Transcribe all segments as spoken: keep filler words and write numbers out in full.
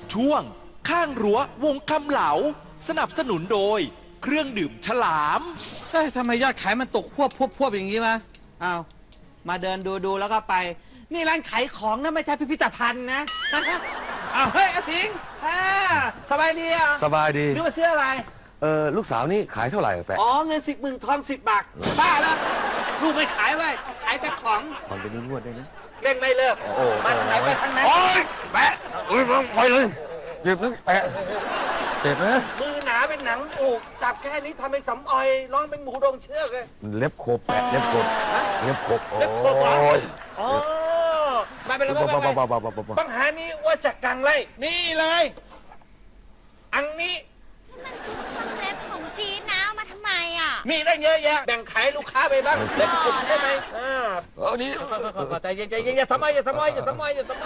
ช่วงข้างรั้ววงคำเหลาสนับสนุนโดยเครื่องดื่มฉลามเฮ้ยทำไมยอดขายมันตกพวบพวบพวบอย่างนี้วะอ้าวมาเดินดูดูแล้วก็ไป นี่ร้านขายของนะไม่ใช่พิพิธภัณฑ์นะ อ้าวเฮ้ยอาทิงอ่าสบายดีอ่ะสบายดีนึกว่าซื้ออะไรเออลูกสาวนี่ขายเท่าไหร่แปะอ๋อเงินสิบหมื่นทองสิบบาทบ้าแล้วลูกไม่ขายไว้ขายแต่ของผ่อนเป็นงวดได้นะเล่นไม่เลิกโอ้โหมาทางไหนไปทางนั้นโอ้ยแปะเอ้ยไปเลยเจ็บนะแปะเจ็บนะมือหนาเป็นหนังอกจับแค่นี้ทำเป็นสำออยร้องเป็นหมูดงเชือกเลยเล็บโคบแปะเล็บโคบฮะเล็บโคบโอ้เล็บโคบเหรอยอ๋อมาเป็นอะไรบ้าบ้างบ้าไงบ้าบ้าบ้าบ้าบ้าปัญหานี้ว่าจากกังไรนี่เลย อันนี้มันคือเครื่องเล็บของจีนนะเอามาทำไมอ่ะมีได้เยอะแยะแบ่งขายลูกค้าไปบ้างเล็บผมใช่ไหมอ่าเออนี่ใจเย็นใจเย็นอย่าทำไมอย่าทำไมอย่าทำไมอย่าทำไม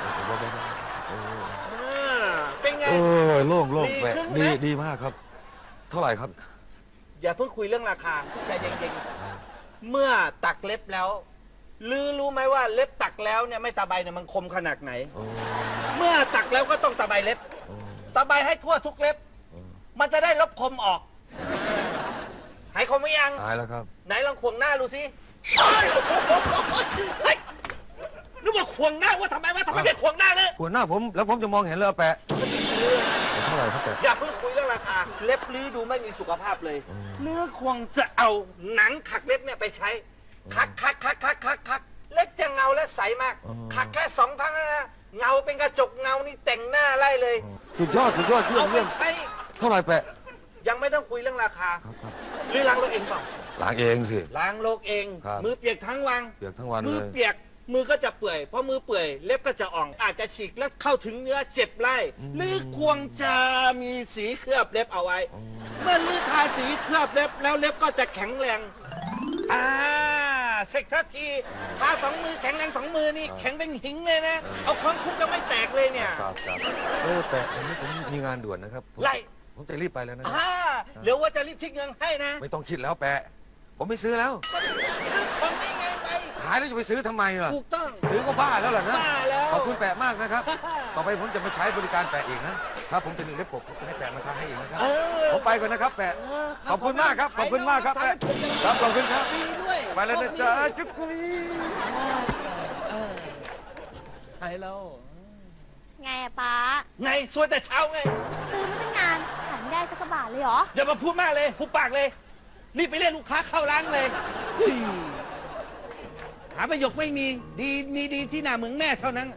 อ่าเป็นไงเออโล่งโล่งแปะดีขึ้นไหมดีดีมากครับ เท่าไหร่ครับอย่าเพิ่งคุยเรื่องราคาใจเย็นๆเมื่อตักเล็บแล้วลือรู้ไหมว่าเล็บตักแล้วเนี่ยไม่ตะไบเนี่ยมันคมขนาดไหน เมื่อตักแล้วก็ต้องตะไบเล็บ ตะไบให้ทั่วทุกเล็บ มันจะได้ลบคมออก หายคมไหมยังหายแล้วครับไหนลองควงหน้าดูสิเฮ้ยเฮ้ยนึกว่าควงหน้าว่าทำไมว่าทำไมไม่ควงหน้าเลยหัวหน้าผมแล้วผมจะมองเห็นเลยแปะเท่าไหร่ครับแปะอย่าเพิ่งคุยเรื่องราคา เล็บลื้อดูไม่มีสุขภาพเลยลื้อควงจะเอาหนังขักเล็บเนี่ยไปใช้ คักคักคักคักคักคักเล็บจะเงาและใสมาก คักแค่สองครั้งนะเงาเป็นกระจกเงานี่แต่งหน้าไล่เลยสุดยอดสุดยอดเยี่ยเอามไปเยี่ยมใช้เท่าไหร่แปะยังไม่ต้องคุยเรื่องราคาหรือล้างรถเองเปล่าล้างเองสิล้างโลกเองครับมือเปียกทั้งวันเปียกทั้งวันมืเลอย เปียกมือก็จะเปื่อยเพราะมือเปื่อยเล็บก็จะอ่อง อาจจะฉีกและเข้าถึงเนื้อเจ็บไล่หรือควงจะมีสีเคลือบเล็บเอาไว้ เมื่อลือทาสีเคลือบเล็บแล้วเล็บก็จะแข็งแรงอ่าเซ็กทัทีทาสองมือแข็งแรงสองมือนี่แข็งเป็นหิงเลยนะ เอาค้อนคุกจะไม่แตกเลยเนี่ยครับครับเออแปะวันนี้ผมมีงานด่วนนะครับผมไล่ผมจะรีบไปแล้วนะอ่าเดี๋ยวว่าจะรีบคิดเงินให้นะไม่ต้องคิดแล้วแปะ ผมไม่ซื้อแล้วก็เรื่องของนี่ไงไปหายแล้วจะไปซื้อทำไมล่ะถูกต้องซื้อก็บ้าแล้วล่ะนะบ้าแล้วขอบคุณแปะมากนะครับ ต่อไปผมจะมาใช้บริการแปะอีกนะ ถ้าผมเป็นเล็บผมผมจะให้แปะมาทำให้อีกนะครับเออผมไปก่อนนะครับแปะเออขอบคุณมากครับ ขอบคุณมากครับแปะขายครับขอบคุณครับฟรีด้วยไปแล้วนะจ๊ะจุ๊กกุยใช่แล้วไงอะป๊าไงสวยแต่เช้าไงตื่นมาตั้งนานขายไม่ได้สักกระบาทเลยเหรออย่ามาพูดมากเลยพูดปากเลย รีบไปเรียกลูกค้าเข้าร้านเลยเฮ้ยหาประโยคไม่มี ดีมีดีที่หน้าเหมืองแม่เท่านั้น